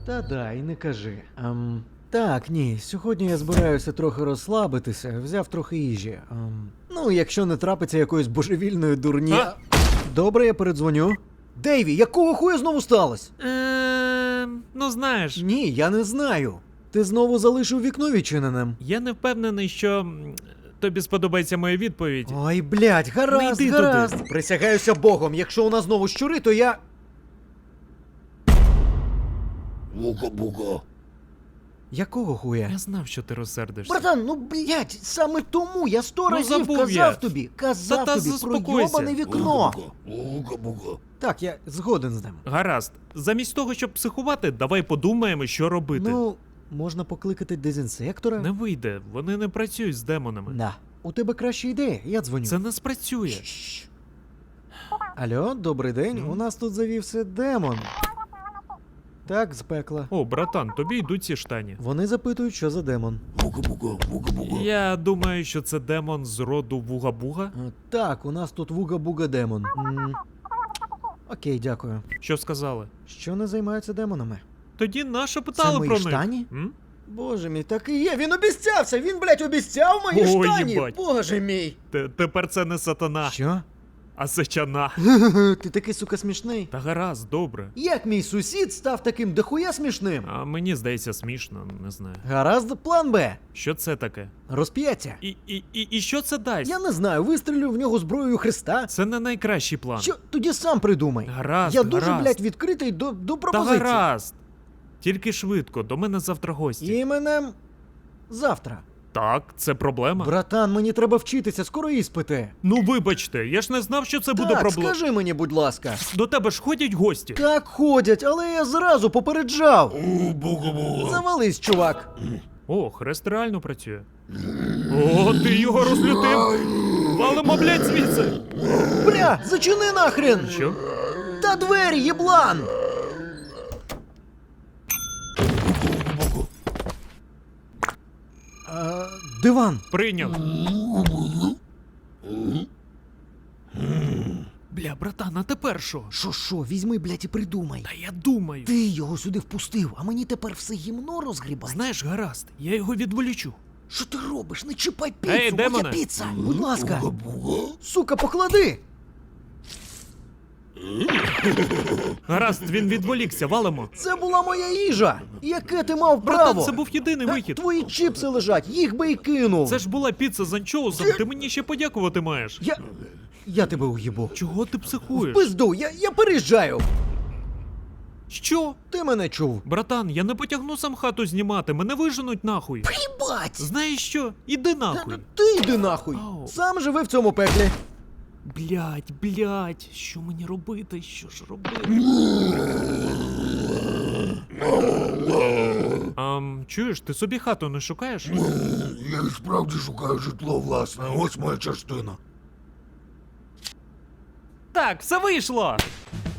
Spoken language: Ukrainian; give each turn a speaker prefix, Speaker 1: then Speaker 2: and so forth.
Speaker 1: Та дай, не кажи. Так, ні, сьогодні я збираюся трохи розслабитися, взяв трохи їжі. Ну, якщо не трапиться якоїсь божевільної дурні.
Speaker 2: А?
Speaker 1: Добре, я передзвоню. Дейві, якого хуя знову сталося?
Speaker 2: Ну знаєш,
Speaker 1: Ні, я не знаю. Ти знову залишив вікно відчиненим.
Speaker 2: я не впевнений, що тобі сподобається моя відповідь.
Speaker 1: Ой, блядь, гаразд,
Speaker 2: Не йди
Speaker 1: гаразд.
Speaker 2: туди.
Speaker 1: Присягаюся Богом, якщо у нас знову щури, то я...
Speaker 3: Буга-буга.
Speaker 1: Якого хуя?
Speaker 2: Я знав, що ти розсердишся.
Speaker 1: Братан, ну блядь, саме тому я 100 разів
Speaker 2: забув
Speaker 1: казав
Speaker 2: я.
Speaker 1: тобі, казав
Speaker 2: Та
Speaker 1: тобі про
Speaker 2: заспокойся.
Speaker 1: йобане вікно.
Speaker 3: Буга-буга.
Speaker 1: Так, я згоден з ним.
Speaker 2: Гаразд, замість того, щоб психувати, давай подумаємо, що робити.
Speaker 1: Ну, можна покликати дезінсектора?
Speaker 2: Не вийде, вони не працюють з демонами.
Speaker 1: Да. У тебе краща ідея, я дзвоню.
Speaker 2: Це не спрацює.
Speaker 1: Шш. Алло, добрий день, у нас тут завівся демон. Так, з пекла.
Speaker 2: О, братан, тобі йдуть ці штані.
Speaker 1: Вони запитують, що за демон.
Speaker 3: Буга-буга. Буга-буга.
Speaker 2: Я думаю, що це демон з роду Вуга-Буга.
Speaker 1: Так, у нас тут вуга-буга демон. Окей, дякую.
Speaker 2: Що сказали?
Speaker 1: Що не займаються демонами?
Speaker 2: Тоді наша питали
Speaker 1: мої
Speaker 2: про них.
Speaker 1: штані?
Speaker 2: М?
Speaker 1: Боже мій, так і є, він обіцявся, він, блядь, обіцяв мої
Speaker 2: Ой,
Speaker 1: штані.
Speaker 2: їбать.
Speaker 1: Боже мій.
Speaker 2: Тепер це не сатана,
Speaker 1: Що?
Speaker 2: а сечана.
Speaker 1: Ти такий, сука, смішний.
Speaker 2: Та гаразд, добре.
Speaker 1: Як мій сусід став таким дохуя смішним?
Speaker 2: А мені здається смішно, не знаю.
Speaker 1: Гаразд, план Б.
Speaker 2: Що це таке?
Speaker 1: Розп'яття.
Speaker 2: І що це дасть?
Speaker 1: Я не знаю, вистрілю в нього зброєю Христа.
Speaker 2: Це не найкращий план.
Speaker 1: Що? Тоді сам придумай.
Speaker 2: Гаразд,
Speaker 1: Я дуже,
Speaker 2: гаразд.
Speaker 1: блядь, відкритий до
Speaker 2: Та
Speaker 1: пропозицій.
Speaker 2: гаразд. Тільки швидко, до мене завтра гості.
Speaker 1: Іменем завтра.
Speaker 2: Так, це проблема.
Speaker 1: Братан, мені треба вчитися, скоро іспити.
Speaker 2: Ну вибачте, я ж не знав, що це буде
Speaker 1: Так,
Speaker 2: проблема.
Speaker 1: скажи мені, будь ласка.
Speaker 2: До тебе ж ходять гості.
Speaker 1: Так ходять, але я зразу попереджав.
Speaker 3: Буга-буга.
Speaker 1: Завались, чувак.
Speaker 2: О, хрест реально працює. О, ти його розлютив. Валимо, блядь, звідси.
Speaker 1: Бля, зачини нахрен!
Speaker 2: Що?
Speaker 1: Та двері, єблан! Диван.
Speaker 2: Прийняв. Бля, братан, а тепер що?
Speaker 1: Що, візьми, блядь, і придумай.
Speaker 2: Та я думаю.
Speaker 1: Ти його сюди впустив, а мені тепер все гімно розгрібати.
Speaker 2: Знаєш, гаразд, я його відволічу.
Speaker 1: Що ти робиш? Не чіпай піцу,
Speaker 2: Ей,
Speaker 1: моя
Speaker 2: демоне!
Speaker 1: піца! Будь ласка!
Speaker 3: Буга-буга.
Speaker 1: Сука, поклади!
Speaker 2: Гаразд, він відволікся, валимо.
Speaker 1: Це була моя їжа! Яке ти мав
Speaker 2: Братан,
Speaker 1: право?
Speaker 2: це був єдиний вихід.
Speaker 1: Твої чіпси лежать, їх би і кинув!
Speaker 2: Це ж була піца з анчоусом, ти мені ще подякувати маєш.
Speaker 1: Я тебе уїбу.
Speaker 2: Чого ти психуєш?
Speaker 1: Пизду, я переїжджаю!
Speaker 2: Що?
Speaker 1: Ти мене чув.
Speaker 2: Братан, я не потягну сам хату знімати, мене виженуть нахуй.
Speaker 1: Їбать!
Speaker 2: Знаєш що? Іди нахуй.
Speaker 1: Ти йди нахуй!
Speaker 2: Ау.
Speaker 1: Сам живи в цьому пеклі.
Speaker 2: Блядь, що мені робити? Що ж робити? Чуєш, ти собі хату не шукаєш?
Speaker 3: Я і справді шукаю житло власне, ось моя частина.
Speaker 2: Так, все вийшло!